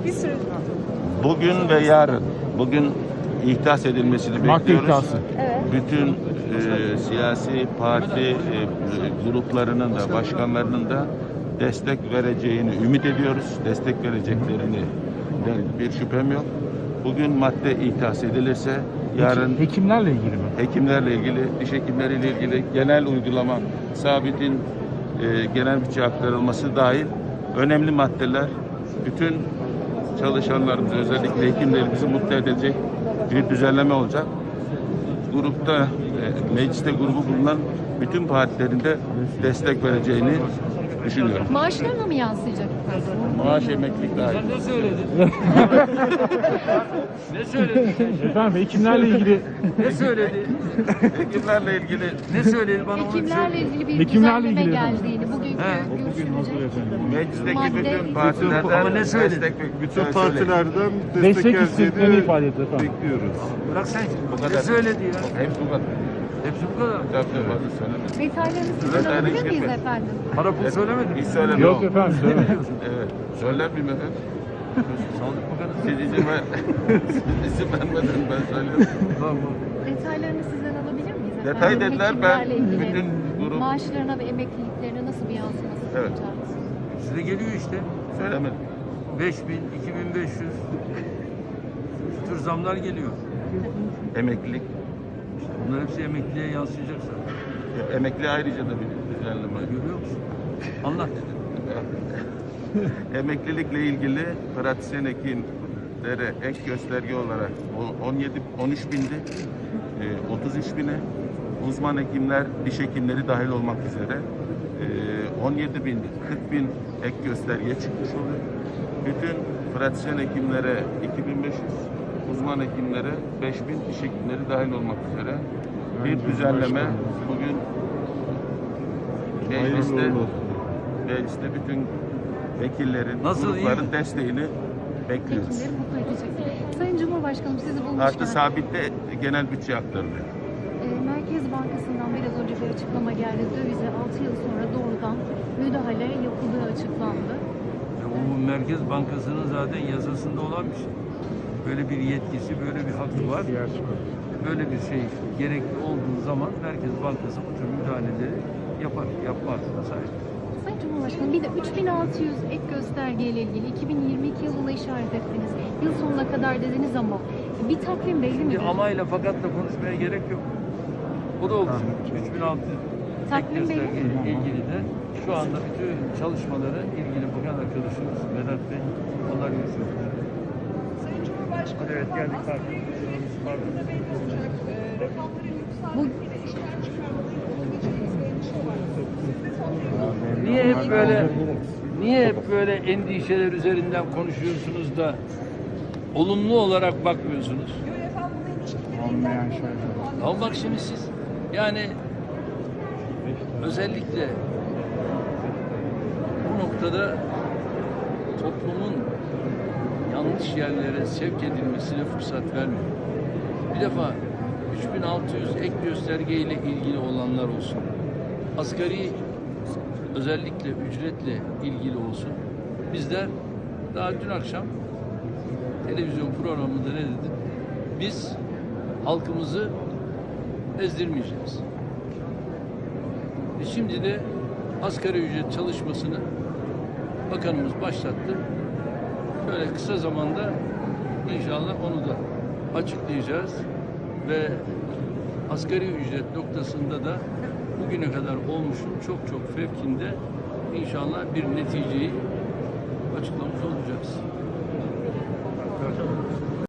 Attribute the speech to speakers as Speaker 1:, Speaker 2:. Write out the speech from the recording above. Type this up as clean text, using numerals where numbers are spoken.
Speaker 1: Bir sürü.
Speaker 2: Bugün ve yarın, bugün ihdas edilmesini
Speaker 3: Madde
Speaker 2: bekliyoruz.
Speaker 3: iddiası.
Speaker 1: Evet.
Speaker 2: Bütün siyasi parti gruplarının da başkanlarının da destek vereceğini ümit ediyoruz. Destek vereceklerini bir şüphem yok. Bugün madde ihdas edilirse yarın
Speaker 3: Hekimlerle ilgili mi?
Speaker 2: hekimlerle ilgili, diş hekimleriyle ilgili genel uygulama, sabitin genel bütçe aktarılması dahil önemli maddeler bütün çalışanlarımızı, özellikle hekimlerimizi mutlu edecek bir düzenleme olacak. Grupta, mecliste grubu bulunan bütün partilerin de destek vereceğini düşünüyorum.
Speaker 1: Maaşlarına mı yansıyacak?
Speaker 2: Maaş, emeklilik dahil.
Speaker 4: Ne söyledin? Ne söyledin?
Speaker 3: Efendim hekimlerle ilgili
Speaker 4: Ne söyledi?
Speaker 2: Hekimlerle ilgili
Speaker 4: Ne söyledi bana onu
Speaker 1: Hekimlerle ilgili bir
Speaker 3: Hekimlerle
Speaker 1: düzenleme
Speaker 3: ilgili
Speaker 1: geldiğini, bugünkü görüşülecek.
Speaker 2: meclisteki
Speaker 1: Madde
Speaker 2: bütün
Speaker 1: iddiası.
Speaker 2: partilerden
Speaker 4: Ama ne söyledi?
Speaker 5: Bütün partilerden
Speaker 3: destek
Speaker 5: destek
Speaker 3: istediklerini
Speaker 5: geldiğini
Speaker 3: ifade etti efendim.
Speaker 5: bekliyoruz.
Speaker 4: Bırak sen.
Speaker 2: Bu
Speaker 4: Ne
Speaker 2: kadar.
Speaker 4: söyledi ya?
Speaker 2: Hepsi bu kadar.
Speaker 4: Hepsi bu kadar.
Speaker 2: Tabii fazla söylemedim.
Speaker 1: Detaylarını sizden
Speaker 2: Detaylı
Speaker 1: alabilir
Speaker 2: hiç
Speaker 1: miyiz
Speaker 2: gitme.
Speaker 1: efendim?
Speaker 4: Para pul söylemedi.
Speaker 2: Hiç söylemem.
Speaker 3: Yok efendim söylemedim.
Speaker 2: Evet. Söyler miyim efendim?
Speaker 4: Sağlık Bakanı
Speaker 2: Siz izin vermeden ben söylüyorum.
Speaker 4: Tamam.
Speaker 1: Detaylarını sizden alabilir miyiz efendim?
Speaker 2: Detay dediler, ben
Speaker 1: Hekimlerle ilgili
Speaker 2: bütün grup-
Speaker 1: maaşlarına ve emekliliklerine nasıl bir yansıması
Speaker 2: Evet.
Speaker 1: olacak?
Speaker 4: Size geliyor işte.
Speaker 2: Söylemedim.
Speaker 4: 5000, 2500 şu tür zamlar geliyor.
Speaker 2: Emeklilik.
Speaker 4: Bunlar hepsi emekliliğe yansıyacak zaten.
Speaker 2: Emekli ayrıca da bir düzenleme.
Speaker 4: Görüyor musun? Anlat.
Speaker 2: Emeklilikle ilgili pratisyen hekimlere ek gösterge olarak 13 bindi, 33 bine, uzman hekimler, diş hekimleri dahil olmak üzere 17 bin, 40 bin ek gösterge çıkmış oluyor. Bütün pratisyen hekimlere 2500, uzman hekimlere 5000, diş hekimleri dahil olmak üzere bir düzenleme bugün mecliste
Speaker 5: Hayırlı olsun.
Speaker 2: mecliste bütün vekillerin,
Speaker 4: Nasıl,
Speaker 2: grupların
Speaker 4: iyi?
Speaker 2: desteğini bekliyoruz.
Speaker 1: Hekimleri mutlu edecek. Sayın Cumhurbaşkanım sizi bulmuşken
Speaker 2: Artı sabitte genel bütçe aktarılıyor.
Speaker 1: Merkez Bankası'ndan biraz önce bir açıklama geldi. Dövize 6 yıl sonra doğrudan müdahale yapıldığı açıklandı.
Speaker 4: Bu Merkez Bankası'nın zaten yasasında olan bir şey. Böyle bir yetkisi, böyle bir hakkı var. Böyle bir şey gerekli olduğu zaman Merkez Bankası bu tür müdahaleleri yapar, yapma hakkına sahip.
Speaker 1: Sayın Cumhurbaşkanım bir de 3600 ek göstergeyle ilgili 2022 yılına işaret ettiniz. Yıl sonuna kadar dediniz ama bir takvim belli mi?
Speaker 4: Şimdi amayla fakatla konuşmaya gerek yok. O da olacak. 3600 ek
Speaker 1: Takvim belli
Speaker 4: göstergeyle
Speaker 1: mi?
Speaker 4: ilgili de şu anda bütün çalışmaları ilgili bakan arkadaşımız Vedat Bey onlar yürütüyor.
Speaker 6: Sayın Cumhurbaşkanı, evet, geldik rakamların belli olacak. Rakamların
Speaker 1: Bu
Speaker 6: yükseldiğinde işten çıkarmaların olabileceğiniz bir endişe var. Siz de son bir
Speaker 4: Niye hep böyle endişeler üzerinden konuşuyorsunuz da olumlu olarak bakmıyorsunuz?
Speaker 6: efendim buna ilişkin bir
Speaker 4: Ama bak şimdi siz yani özellikle bu noktada toplumun yanlış yerlere sevk edilmesine fırsat vermiyor. Bir defa 3600 ek gösterge ile ilgili olanlar olsun. Asgari özellikle ücretle ilgili olsun. Bizler daha dün akşam televizyon programında ne dedim? Biz halkımızı ezdirmeyeceğiz. Şimdi de asgari ücret çalışmasını bakanımız başlattı. Böyle kısa zamanda inşallah onu da açıklayacağız ve asgari ücret noktasında da bugüne kadar olmuşun çok çok fevkinde inşallah bir neticeyi açıklamış olacağız.